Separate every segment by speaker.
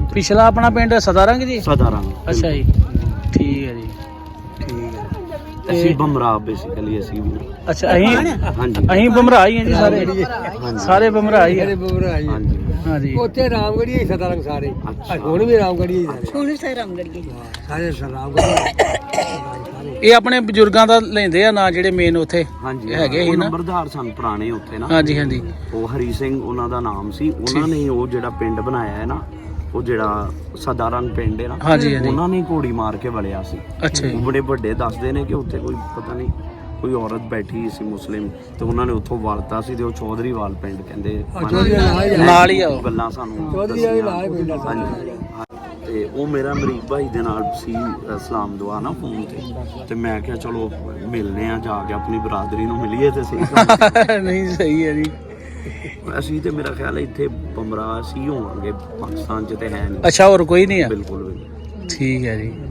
Speaker 1: ਪਿਛਲਾ ਆਪਣਾ ਪਿੰਡ ਸਦਾਰੰਗ ਜੀ?
Speaker 2: ਸਦਾਰੰਗ।
Speaker 1: ਅੱਛਾ ਜੀ, ਠੀਕ ਹੈ ਜੀ, ਠੀਕ ਹੈ।
Speaker 2: ਅਸੀਂ ਬਮਰਾ ਬੇਸਿਕਲੀ ਅਸੀਂ ਵੀ।
Speaker 1: ਅੱਛਾ, ਅਸੀਂ
Speaker 2: ਹਾਂਜੀ
Speaker 1: ਅਸੀਂ ਬਮਰਾ ਹੀ ਹਾਂ ਜੀ ਸਾਰੇ, ਸਾਰੇ ਬਮਰਾ ਹੀ ਆ।
Speaker 2: ਹਾਂਜੀ
Speaker 1: ਹਾਂਜੀ,
Speaker 3: ਉੱਥੇ ਰਾਮਗੜੀਆ ਹੀ ਸਦਾਰੰਗ ਸਾਰੇ, ਹੁਣ ਵੀ ਰਾਮਗੜੀਆ ਹੀ ਸਾਰੇ, ਹੁਣ ਵੀ ਸਾਰੇ ਰਾਮਗੜੀਆ ਸਾਰੇ ਰਾਮਗੜੀਆ।
Speaker 1: ਇਹ ਆਪਣੇ ਬਜ਼ੁਰਗਾਂ ਦਾ ਲੈਂਦੇ ਆ ਨਾਂ ਜਿਹੜੇ ਮੇਨ ਉੱਥੇ
Speaker 2: ਹਾਂਜੀ
Speaker 1: ਹੈਗੇ ਸੀ ਨਾ,
Speaker 2: ਨੰਬਰਦਾਰ ਸਨ ਪੁਰਾਣੇ ਉੱਥੇ ਨਾ।
Speaker 1: ਹਾਂਜੀ ਹਾਂਜੀ,
Speaker 2: ਉਹ ਹਰੀ ਸਿੰਘ ਉਹਨਾਂ ਦਾ ਨਾਮ ਸੀ। ਉਹਨਾਂ ਨੇ ਉਹ ਜਿਹੜਾ ਪਿੰਡ ਬਣਾਇਆ ਹੈ ਨਾ, ਉਹ ਜਿਹੜਾ ਸਦਾਰੰਗ ਪਿੰਡ ਹੈ ਨਾ,
Speaker 1: ਹਾਂਜੀ ਹਾਂਜੀ,
Speaker 2: ਉਹਨਾਂ ਨੇ ਘੋੜੀ ਮਾਰ ਕੇ ਵੜਿਆ ਸੀ।
Speaker 1: ਅੱਛਾ ਜੀ,
Speaker 2: ਉਹ ਬੜੇ ਵੱਡੇ ਦੱਸਦੇ ਨੇ ਕਿ ਉੱਥੇ ਕੋਈ ਪਤਾ ਨਹੀਂ ਕੋਈ ਔਰਤ ਬੈਠੀ ਸੀ ਮੁਸਲਿਮ, ਤੇ ਉਹਨਾਂ ਨੇ ਉੱਥੋਂ ਵਲਤਾ ਸੀ, ਤੇ ਉਹ ਚੌਧਰੀਵਾਲ ਪਿੰਡ ਕਹਿੰਦੇ
Speaker 1: ਨਾਲ ਹੀ ਆ ਉਹ।
Speaker 2: ਗੱਲਾਂ ਸਾਨੂੰ ਦੱਸੀਆਂ। ਹਾਂਜੀ, ਤੇ ਉਹ ਮੇਰਾ ਮਰੀਬ ਭਾਈ ਦੇ ਨਾਲ ਸੀ ਸਲਾਮ ਦੁਆ ਨਾ ਫੋਨ ਤੇ ਮੈਂ ਕਿਹਾ ਚਲੋ ਮਿਲਨੇ ਆ, ਜਾ ਕੇ ਆਪਣੀ ਬਰਾਦਰੀ ਨੂੰ ਮਿਲੀਏ ਤੇ ਸਹੀ।
Speaker 1: ਨਹੀਂ ਸਹੀ ਹੈ ਜੀ।
Speaker 2: ਅਸੀਂ ਤੇ ਮੇਰਾ ਖਿਆਲ ਹੈ ਇੱਥੇ ਬਮਰਾ ਸੀ ਹੋਵਾਂਗੇ, ਪਾਕਿਸਤਾਨ 'ਚ ਤੇ ਹੈ ਨਹੀਂ।
Speaker 1: ਅੱਛਾ, ਹੋਰ ਕੋਈ ਨਹੀਂ ਆ?
Speaker 2: ਬਿਲਕੁਲ ਬਿਲਕੁਲ,
Speaker 1: ਠੀਕ ਹੈ ਜੀ,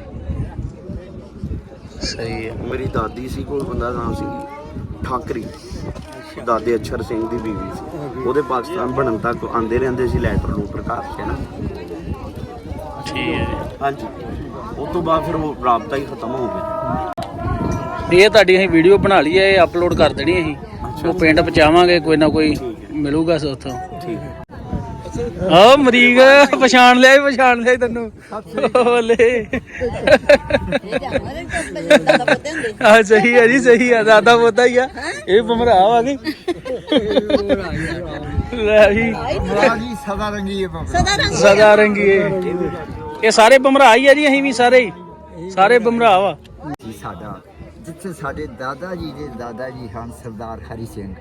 Speaker 1: ਸਹੀ ਹੈ।
Speaker 2: ਮੇਰੀ ਦਾਦੀ ਸੀ, ਕੋਈ ਬੰਦਾ ਨਾਮ ਸੀ ਠਾਕਰੀ, ਦਾਦੇ ਅਛਰ ਸਿੰਘ ਦੀ ਬੀਵੀ ਸੀ। ਉਹਦੇ ਪਾਕਿਸਤਾਨ ਬਣਨ ਤੱਕ ਆਂਦੇ ਰਹਿੰਦੇ ਸੀ ਲੈਟਰ ਲੂਟਰ ਘਰ 'ਚ ਨਾ।
Speaker 1: ਠੀਕ ਹੈ ਜੀ,
Speaker 2: ਹਾਂਜੀ, ਉਸ ਤੋਂ ਬਾਅਦ ਫਿਰ ਉਹ ਰਾਬਤਾ ਹੀ ਖਤਮ ਹੋ ਗਿਆ।
Speaker 1: ਇਹ ਤੁਹਾਡੀ ਅਸੀਂ ਵੀਡੀਓ ਬਣਾ ਲਈ ਹੈ, ਇਹ ਅਪਲੋਡ ਕਰ ਦੇਣੀ ਅਸੀਂ, ਉਹ ਪਿੰਡ ਪਹੁੰਚਾਵਾਂਗੇ, ਕੋਈ ਨਾ ਕੋਈ ਮਿਲੂਗਾ ਉੱਥੋਂ। ਠੀਕ ਹੈ। ਆਹ ਮਰੀਕ ਪਛਾਣ ਲਿਆ ਤੈਨੂੰ ਬੋਲੇ। ਹਾਂ ਸਹੀ ਹੈ ਜੀ, ਸਹੀ ਹੈ, ਦਾਦਾ ਪੋਤਾ ਹੀ ਆ ਇਹ, ਬਮਰਾ ਆ ਗਈ। ਲੈ ਜੀ, ਸਦਾ ਰੰਗੀ ਇਹ ਸਾਰੇ ਬਮਰਾ ਹੀ ਆ ਜੀ, ਅਸੀਂ ਵੀ ਸਾਰੇ ਬਮਰਾ ਵਾ।
Speaker 4: ਸਾਡਾ ਜਿੱਥੇ ਸਾਡੇ ਦਾਦਾ ਜੀ ਦੇ ਦਾਦਾ ਜੀ ਹਨ ਸਰਦਾਰ ਹਰੀ ਸਿੰਘ,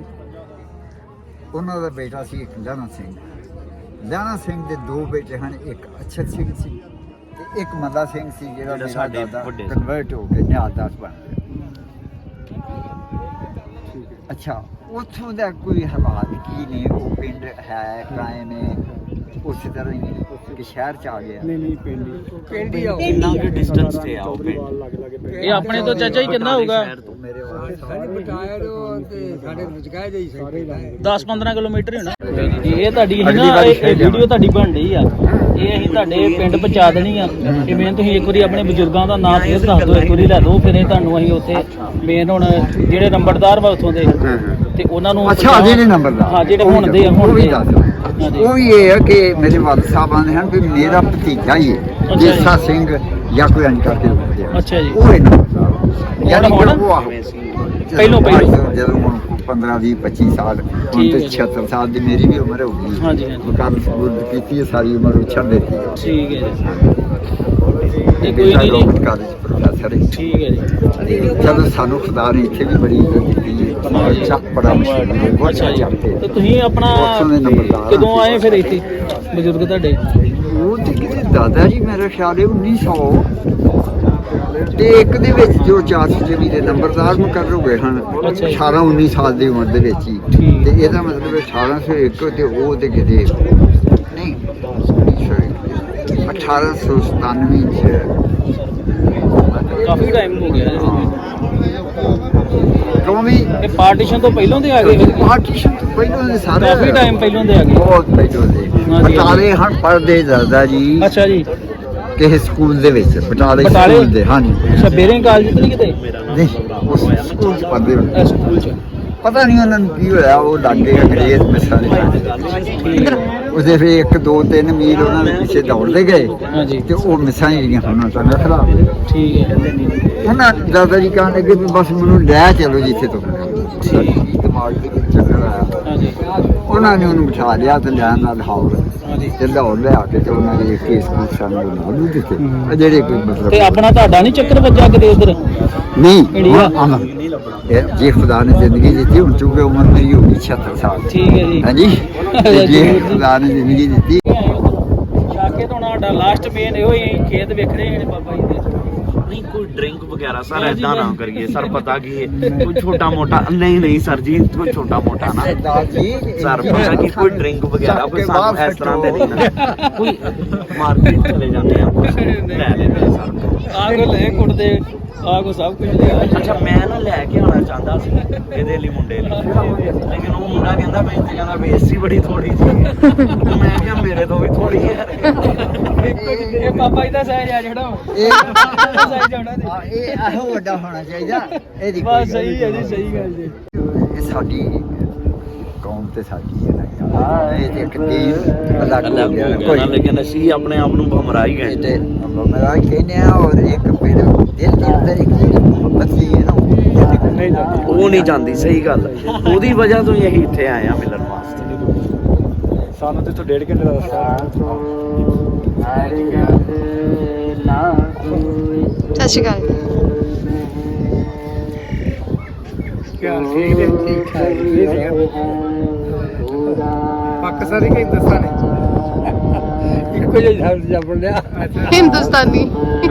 Speaker 4: ਉਹਨਾਂ ਦਾ ਬੇਟਾ ਸੀ ਇੱਕ ਲਾਣਾ ਸਿੰਘ ਦੇ ਦੋ ਬੇਟੇ ਹਨ, ਇੱਕ ਅਛਰ ਸਿੰਘ ਸੀ ਤੇ ਇੱਕ ਮੰਦਾ ਸਿੰਘ ਸੀ, ਜਿਹੜਾ ਸਾਡੇ ਕਨਵਰਟ ਹੋ ਕੇ ਨਿਹਾਲਦਾਰ ਬਣ ਗਿਆ। ਅੱਛਾ, ਉੱਥੋਂ ਦਾ ਕੋਈ ਹਾਲਾਤ ਕੀ ਨੇ? ਉਹ ਪਿੰਡ ਹੈ ਕਾਇਮ ਹੈ ਉਸੇ ਤਰ੍ਹਾਂ ਹੀ ਕਿ ਸ਼ਹਿਰ ਚ ਆ ਗਿਆ?
Speaker 3: ਨਹੀਂ ਪਿੰਡ ਹੀ ਆ,
Speaker 2: ਕਿੰਨਾ ਕਿ ਡਿਸਟੈਂਸ ਤੇ ਆ ਉਹ ਪਿੰਡ?
Speaker 1: ਇਹ ਆਪਣੇ ਤੋਂ ਚਾਚਾ ਜੀ ਕਿੰਨਾ ਹੋਊਗਾ?
Speaker 4: ਮੇਰੇ
Speaker 3: ਸਾਡੇ ਰੁਜ਼ਗਾਰ ਦੇ ਹੀ ਸਾਰੇ
Speaker 1: 10-15 ਕਿਲੋਮੀਟਰ ਹੀ ਹੋਣਾ। ਇਹ ਤੁਹਾਡੀ ਹੈ ਨਾ, ਇਹ ਵੀਡੀਓ ਤੁਹਾਡੀ ਬਣ ਰਹੀ ਆ, ਇਹ ਅਸੀਂ ਤੁਹਾਡੇ ਪਿੰਡ ਪਹੁੰਚਾ ਦੇਣੀ ਆ। ਇਹ ਮੇਨ ਤੁਸੀਂ ਇੱਕ ਵਾਰੀ ਆਪਣੇ ਬਜ਼ੁਰਗਾਂ ਦਾ ਨਾਮ ਫੇਰ ਦੱਸ ਦਿਓ, ਇੱਕ ਵਾਰੀ ਲੈ ਦਿਓ, ਫਿਰ ਇਹ ਤੁਹਾਨੂੰ ਅਸੀਂ ਉੱਥੇ ਮੇਨ ਹੁਣ ਜਿਹੜੇ ਨੰਬਰਦਾਰ ਵਾ ਉੱਥੋਂ ਦੇ ਤੇ ਉਹਨਾਂ ਨੂੰ।
Speaker 4: ਅੱਛਾ, ਜਿਹੜੇ ਨੰਬਰਦਾਰ,
Speaker 1: ਹਾਂ ਜਿਹੜੇ ਹੁਣ ਦੇ
Speaker 4: ਉਹ ਵੀ ਇਹ ਹੈ ਕਿ ਮੇਰੇ ਵਾਲਦ ਸਾਹਿਬ ਆਉਂਦੇ ਹਨ ਵੀ ਮੇਰਾ ਭਤੀਜਾ ਹੀ ਹੈ ਜੇਸਾ ਸਿੰਘ ਜਾਂ ਕੋਈ ਅੰਜ ਕਰਕੇ।
Speaker 1: ਅੱਛਾ ਜੀ,
Speaker 4: ਉਹ ਇਹਨਾਂ ਯਾਨੀ ਕਿ ਉਹ ਆ
Speaker 1: ਪਹਿਲੋਂ
Speaker 4: ਜਦੋਂ ਹੁਣ 15-20-25 ਸਾਲ, ਹੁਣ ਤੇ 76 ਸਾਲ ਦੀ ਮੇਰੀ ਵੀ ਉਮਰ ਹੋ ਗਈ।
Speaker 1: ਹਾਂਜੀ
Speaker 4: ਮੁਕਾਬਲ ਸਬੂਤ ਕੀਤੀ ਹੈ, ਸਾਰੀ ਉਮਰ ਉਛੜ ਦਿੱਤੀ ਹੈ।
Speaker 1: ਠੀਕ ਹੈ ਜੀ, ਇਹ ਕੋਈ ਨਹੀਂ
Speaker 4: ਕਾਲਜ ਪ੍ਰੋਫੈਸਰ ਹੈ।
Speaker 1: ਠੀਕ ਹੈ ਜੀ,
Speaker 4: ਚਲੋ ਸਾਨੂੰ ਖੁਦਾ ਨੇ ਇੱਥੇ ਵੀ ਬੜੀ ਇੱਜ਼ਤ ਦਿੱਤੀ ਹੈ, ਚੱਕ ਬੜਾ ਮਸ਼ਹੂਰ ਹੈ, ਬਹੁਤ ਚੱਕਦੇ।
Speaker 1: ਤੇ ਤੁਸੀਂ ਆਪਣਾ ਕਦੋਂ ਆਏ ਫਿਰ ਇੱਥੇ ਬਜ਼ੁਰਗ ਤੁਹਾਡੇ?
Speaker 4: ਉਹ ਤੇ ਕਿਤੇ ਦਾਦਾ ਜੀ ਮੇਰਾ ਖਿਆਲ ਹੈ 1900 ਤੇ ਇੱਕ ਦੇ ਵਿੱਚ ਜੋ 400 ਦੇ ਨੰਬਰਦਾਰ ਮੁਕਰਰ ਹੋਏ ਹਨ 18-19 ਸਾਲ ਦੀ ਉਮਰ ਦੇ ਵਿੱਚ ਹੀ, ਤੇ ਇਹਦਾ ਮਤਲਬ 1801 ਤੇ ਉਹ ਤੇ ਕਿਤੇ ਨਹੀਂ 1897 ਚ।
Speaker 1: ਕਾਫੀ ਟਾਈਮ ਹੋ ਗਿਆ।
Speaker 4: ਕਿਉਂ ਵੀ
Speaker 1: ਇਹ ਪਾਰਟੀਸ਼ਨ ਤੋਂ ਪਹਿਲਾਂ ਦੇ ਆ ਗਏ?
Speaker 4: ਪਾਰਟੀਸ਼ਨ ਤੋਂ ਪਹਿਲਾਂ ਦੇ ਸਾਰੇ
Speaker 1: ਕਾਫੀ ਟਾਈਮ ਪਹਿਲਾਂ ਦੇ ਆ ਗਏ,
Speaker 4: ਬਹੁਤ ਪਹਿਲਾਂ ਦੇ। ਬਟਾਲੇ ਹਨ ਪੜ੍ਹਦੇ ਦਾਦਾ ਜੀ।
Speaker 1: ਅੱਛਾ ਜੀ,
Speaker 4: ਕਿਸੇ ਸਕੂਲ ਦੇ ਵਿੱਚ ਬਟਾਲੇ ਸਕੂਲ ਦੇ। ਹਾਂਜੀ,
Speaker 1: ਅੱਛਾ, ਬੇਰਿੰਗ ਕਾਲਜ ਤੇ ਨਹੀਂ ਕਿਤੇ?
Speaker 4: ਨਹੀਂ, ਉਸ ਸਕੂਲ ਚ ਪੜ੍ਹਦੇ ਹੁੰਦੇ।
Speaker 1: ਸਕੂਲ ਚ
Speaker 4: ਪਤਾ ਨਹੀਂ ਉਹਨਾਂ ਨੂੰ ਕੀ ਹੋਇਆ, ਉਹ ਲੱਗੇ ਅੰਗਰੇਜ਼ ਮਿਸਾਲ ਉਹਦੇ ਫਿਰ 1-2-3 ਮੀਲ ਉਹਨਾਂ ਦੇ ਪਿੱਛੇ ਦੌੜਦੇ ਗਏ ਤੇ ਉਹ ਮਿਸਾਂ ਜਿਹੜੀਆਂ ਉਹਨਾਂ ਤੋਂ ਖਰਾਬ ਹੋਏ।
Speaker 1: ਠੀਕ ਹੈ,
Speaker 4: ਉਹਨਾਂ ਦਾਦਾ ਜੀ ਕਹਿਣ ਲੱਗੇ ਵੀ ਬਸ ਮੈਨੂੰ ਲੈ ਚਲੋ ਜਿੱਥੇ ਤੋਂ ਦਿਮਾਗ ਦੇ ਵਿੱਚ ਚੱਕਰ ਆਇਆ। ਉਹਨਾਂ ਨੇ ਉਹਨੂੰ ਬਿਠਾ ਲਿਆ ਤੇ ਲੈਣ ਨਾਲ ਹਾਉਰ ਤੇ ਲਾਹੌਰ ਲਿਆ ਕੇ ਤੇ ਉਹਨਾਂ ਨੇ ਕੇਸ ਕੂਸਾਂ ਨੂੰ ਲਾਲੂ ਦਿੱਤੇ, ਜਿਹੜੇ ਕੋਈ ਮਤਲਬ।
Speaker 1: ਤੇ ਆਪਣਾ ਤੁਹਾਡਾ ਨਹੀਂ ਚੱਕਰ ਵੱਜਾ ਕਿਤੇ ਉਧਰ?
Speaker 4: ਨਹੀਂ, ਜੇ ਖੁਦਾ ਨੇ ਜ਼ਿੰਦਗੀ ਦਿੱਤੀ, ਹੁਣ ਚੁੱਕੇ ਉਮਰ ਮੇਰੀ ਹੋ ਗਈ 76 ਸਾਲ।
Speaker 1: ਠੀਕ ਹੈ ਜੀ,
Speaker 4: ਹਾਂਜੀ, ਜੇ ਖੁਦਾ ਨੇ ਜ਼ਿੰਦਗੀ ਦਿੱਤੀ।
Speaker 1: ਸ਼ਾਕੇ ਤੋਂ ਸਾਡਾ ਲਾਸਟ ਮੇਨ ਇਹੋ ਹੀ ਖੇਤ ਵੇਖਣੇ ਨੇ ਬਾਬਾ ਜੀ ਦੇ।
Speaker 2: ਨਹੀਂ ਕੋਈ ਡਰਿੰਕ ਵਗੈਰਾ ਸਰ ਏਦਾਂ ਨਾ ਕਰੀਏ ਸਰ, ਪਤਾ ਕੀ ਹੈ ਕੋਈ ਛੋਟਾ ਮੋਟਾ ਨਹੀਂ ਸਰ ਜੀ, ਕੋਈ ਛੋਟਾ ਮੋਟਾ ਨਾ ਸਰ, ਪਤਾ ਕੀ ਕੋਈ ਡਰਿੰਕ ਵਗੈਰਾ ਕੋਈ ਸਾਨੂੰ ਇਸ ਤਰ੍ਹਾਂ ਦੇ ਨਹੀਂ ਨਾ, ਕੋਈ ਮਾਰਕੀਟ ਚਲੇ ਜਾਂਦੇ ਆ ਕੁਛ ਲੈ ਲੈਂਦੇ ਆ ਸਰ।
Speaker 1: ਆ ਕੋ ਲੈ ਕੁੱਟਦੇ ਆ ਕੋ ਸਭ ਕੁਝ ਲਿਆ।
Speaker 2: ਅੱਛਾ ਮੈਂ ਨਾ ਲੈ ਕੇ ਆਉਣਾ ਚਾਹੁੰਦਾ ਸੀ ਇਹਦੇ ਲਈ ਮੁੰਡੇ ਲਈ, ਲੇਕਿਨ ਉਹ ਮੁੰਡਾ ਕਹਿੰਦਾ ਮੈਂ ਤੇ ਕਹਿੰਦਾ ਬੇਇੱਜ਼ਤੀ ਬੜੀ ਥੋੜੀ ਸੀ। ਮੈਂ ਕਿਹਾ ਮੇਰੇ ਤੋਂ ਵੀ ਥੋੜੀ ਹੈ।
Speaker 1: ਇਹ ਪਾਪਾ ਜੀ ਦਾ ਸਹਿਜ ਆ ਜਿਹੜਾ
Speaker 4: ਇਹ
Speaker 1: ਸਹਿਜ ਆਉਣਾ ਤੇ
Speaker 4: ਹਾਂ, ਇਹ ਇਹੋ ਵੱਡਾ ਹੋਣਾ ਚਾਹੀਦਾ ਇਹਦੀ ਕੋਈ
Speaker 1: ਬਸ ਸਹੀ ਹੈ ਜੀ, ਸਹੀ ਗੱਲ ਜੀ।
Speaker 4: ਇਹ ਸਾਡੀ ਕੌਮ ਤੇ ਸਾਡੀ ਹੈ ਨਾ ਯਾਰ, ਇਹ ਤੇ ਇੱਕ ਦੀਨ ਅਲੱਗ ਹੋ ਗਿਆ ਕੋਈ
Speaker 2: ਲੇਕਿਨ ਅਸੀਂ ਆਪਣੇ ਆਪ ਨੂੰ ਭਮਰਾ ਹੀ ਗਏ।
Speaker 4: ਤੇ ਮੇਰਾ ਕਹਿੰਦੇ ਆ, ਔਰ ਇੱਕ ਫਿਰ ਦਿਲ ਦੇ ਅੰਦਰ ਇੱਕ ਜਿਹੜੀ ਮੁਹੱਬਤ ਸੀ ਹੈ ਨਾ
Speaker 2: ਉਹ ਨਹੀਂ ਜਾਂਦੀ, ਸਹੀ ਗੱਲ ਹੈ। ਉਹਦੀ ਵਜ੍ਹਾ ਤੋਂ ਹੀ ਅਸੀਂ ਇੱਥੇ ਆਏ ਆ ਮਿਲਣ ਵਾਸਤੇ।
Speaker 3: ਸਾਨੂੰ ਤੇ 1.5 ਘੰਟੇ ਦਾ ਰਸਤਾ
Speaker 5: ਸਤਿ ਸ਼੍ਰੀ ਅਕਾਲ।
Speaker 3: ਪਾਕਿਸਤਾਨੀ ਕਿ ਹਿੰਦੁਸਤਾਨੀ? ਇੱਕੋ ਜਿਹਾ ਸ਼ਬਦ ਜਪਣ ਲਿਆ।
Speaker 5: ਹਿੰਦੁਸਤਾਨੀ।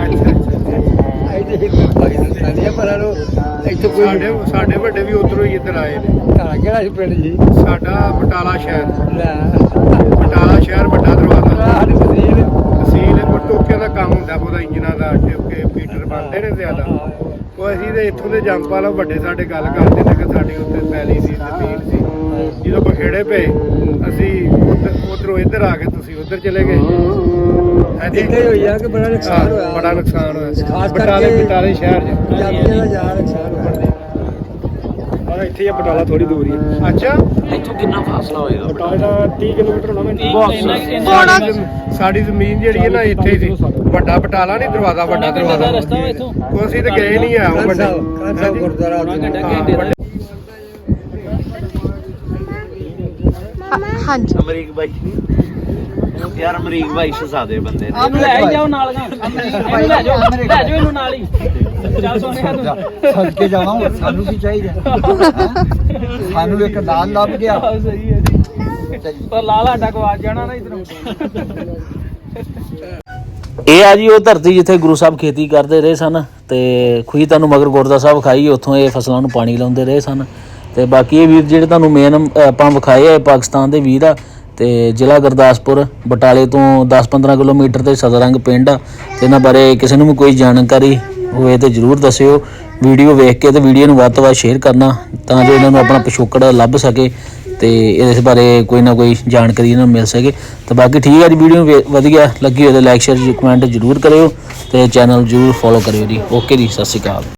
Speaker 3: ਇਹਦੇ ਪਾਕਿਸਤਾਨੀ ਆ, ਪਰ ਇੱਥੇ ਕੋਈ ਸਾਡੇ ਵੱਡੇ ਵੀ ਉਧਰੋਂ ਹੀ ਇੱਧਰ ਆਏ ਨੇ। ਕਿਹੜਾ ਸੀ ਪਿੰਡ ਜੀ? ਸਾਡਾ ਬਟਾਲਾ ਸ਼ਹਿਰ। ਬਟਾਲਾ ਸ਼ਹਿਰ ਵੱਡਾ ਦਰਵਾਜ਼ਾ। ਤਹਿਸੀਲ ਕੋ ਟੋਕਿਆਂ ਦਾ ਕੰਮ ਹੁੰਦਾ, ਉਹਦਾ ਇੰਜਨਾਂ ਦਾ ਟੋਕੇ ਪੀਟਰ ਬਣਦੇ ਨੇ ਜ਼ਿਆਦਾ। ਉਹ ਅਸੀਂ ਤੇ ਇੱਥੋਂ ਦੇ ਜੰਗਪਾਲ ਵੱਡੇ ਸਾਡੇ ਗੱਲ ਕਰਦੇ ਨੇ ਕਿ ਸਾਡੀ ਉੱਥੇ ਪੈਲੀ ਸੀ, ਜ਼ਮੀਨ ਸੀ। ਜਦੋਂ ਬਖੇੜੇ ਪਏ ਅਸੀਂ ਉਧਰੋਂ ਇੱਧਰ ਆ ਗਏ, ਤੁਸੀਂ ਉੱਧਰ ਚਲੇ ਗਏ। ਇੱਥੇ ਹੋਈ ਆ ਕਿ ਬੜਾ ਨੁਕਸਾਨ ਹੋਇਆ, ਬੜਾ ਨੁਕਸਾਨ ਹੋਇਆ ਬਟਾਲੇ ਸ਼ਹਿਰ 'ਚ। ਪੰਜਾਬੀਆਂ ਦਾ ਜ਼ਿਆਦਾ ਨੁਕਸਾਨ ਹੋਇਆ। ਔਰ ਇੱਥੇ ਹੀ ਬਟਾਲਾ ਥੋੜੀ ਦੂਰ ਹੀ। ਅੱਛਾ,
Speaker 2: ਇੱਥੋਂ ਕਿੰਨਾ ਫਾਸਲਾ ਹੋਏਗਾ?
Speaker 3: ਬਟਾਲਾ 30 ਕਿਲੋਮੀਟਰ ਹੋਣਾ
Speaker 5: ਪੌਣਾ
Speaker 3: ਸਾਡੀ ਜ਼ਮੀਨ ਜਿਹੜੀ ਹੈ ਨਾ ਇੱਥੇ ਹੀ ਸੀ। ਵੱਡਾ ਬਟਾਲਾ ਨਹੀਂ, ਦਰਵਾਜ਼ਾ ਵੱਡਾ ਦਰਵਾਜ਼ਾ
Speaker 1: ਰਸਤਾ ਵਾ ਇੱਥੋਂ।
Speaker 3: ਅਸੀਂ ਤਾਂ ਗਏ ਨਹੀਂ ਆ ਉਹ ਵੱਡਾ ਗੁਰਦੁਆਰਾ।
Speaker 5: ਹਾਂਜੀ।
Speaker 2: ਅਮਰੀਕ ਬਾਈ ਯਾਰ, ਅਮਰੀਕ ਬਾਈ ਸ਼ਹਜ਼ਾਦੇ ਬੰਦੇ ਨੇ।
Speaker 1: ਇਹਨੂੰ ਲੈ ਹੀ ਜਾਓ ਨਾਲ, ਇਹਨੂੰ ਲੈ ਜਾਓ ਇਹਨੂੰ ਨਾਲ ਹੀ। ਚੱਲ ਸੋਨਿਆ ਤੂੰ
Speaker 4: ਸੱਜ ਕੇ ਜਾਵਾਂ, ਸਾਨੂੰ ਕੀ ਚਾਹੀਦਾ? ਸਾਨੂੰ ਇੱਕ ਲਾਲ ਲੱਭ ਗਿਆ।
Speaker 1: ਸਹੀ ਹੈ ਜੀ, ਪਰ ਲਾਲਾ ਡਕਵਾਜ ਜਾਣਾ ਨਾ ਇਧਰੋਂ। ਇਹ ਆ ਜੀ ਉਹ ਧਰਤੀ ਜਿੱਥੇ ਗੁਰੂ ਸਾਹਿਬ ਖੇਤੀ ਕਰਦੇ ਰਹੇ ਸਨ, ਤੇ ਖੂਹੀ ਤੁਹਾਨੂੰ ਮਗਰ ਗੁਰਦਾ ਸਾਹਿਬ ਖਾਈ, ਉੱਥੋਂ ਇਹ ਫਸਲਾਂ ਨੂੰ ਪਾਣੀ ਲਾਉਂਦੇ ਰਹੇ ਸਨ। ਤੇ ਬਾਕੀ ਇਹ ਵੀਰ ਜਿਹੜੇ ਤੁਹਾਨੂੰ ਮੇਨ ਆਪਾਂ ਵਿਖਾਏ ਆ, ਪਾਕਿਸਤਾਨ ਦੇ ਵੀਰ ਆ, ਤੇ ਜ਼ਿਲ੍ਹਾ ਗੁਰਦਾਸਪੁਰ ਬਟਾਲੇ ਤੋਂ 10-15 ਕਿਲੋਮੀਟਰ ਤੇ ਸਦਰੰਗ ਪਿੰਡ ਆ। ਤੇ ਇਹਨਾਂ ਬਾਰੇ ਕਿਸੇ ਨੂੰ ਵੀ ਕੋਈ ਜਾਣਕਾਰੀ ਹੋਵੇ ਤੇ ਜ਼ਰੂਰ ਦੱਸਿਓ। ਵੀਡੀਓ ਵੇਖ ਕੇ ਤੇ ਵੀਡੀਓ ਨੂੰ ਵੱਧ ਤੋਂ ਵੱਧ ਸ਼ੇਅਰ ਕਰਨਾ, ਤਾਂ ਜੋ ਇਹਨਾਂ ਨੂੰ ਆਪਣਾ ਪਿਛੋਕੜ ਲੱਭ ਸਕੇ ਤੇ ਇਸ ਬਾਰੇ ਕੋਈ ਨਾ ਕੋਈ ਜਾਣਕਾਰੀ ਇਹਨਾਂ ਨੂੰ ਮਿਲ ਸਕੇ। ਤੇ ਬਾਕੀ ਠੀਕ ਹੈ ਜੀ, ਵੀਡੀਓ ਵਧੀਆ ਲੱਗੀ ਹੋਵੇ ਤਾਂ ਲਾਈਕ ਸ਼ੇਅਰ ਕਮੈਂਟ ਜ਼ਰੂਰ ਕਰਿਓ ਤੇ ਚੈਨਲ ਜ਼ਰੂਰ ਫੋਲੋ ਕਰਿਓ ਜੀ। ਓਕੇ ਜੀ, ਸਤਿ ਸ਼੍ਰੀ ਅਕਾਲ।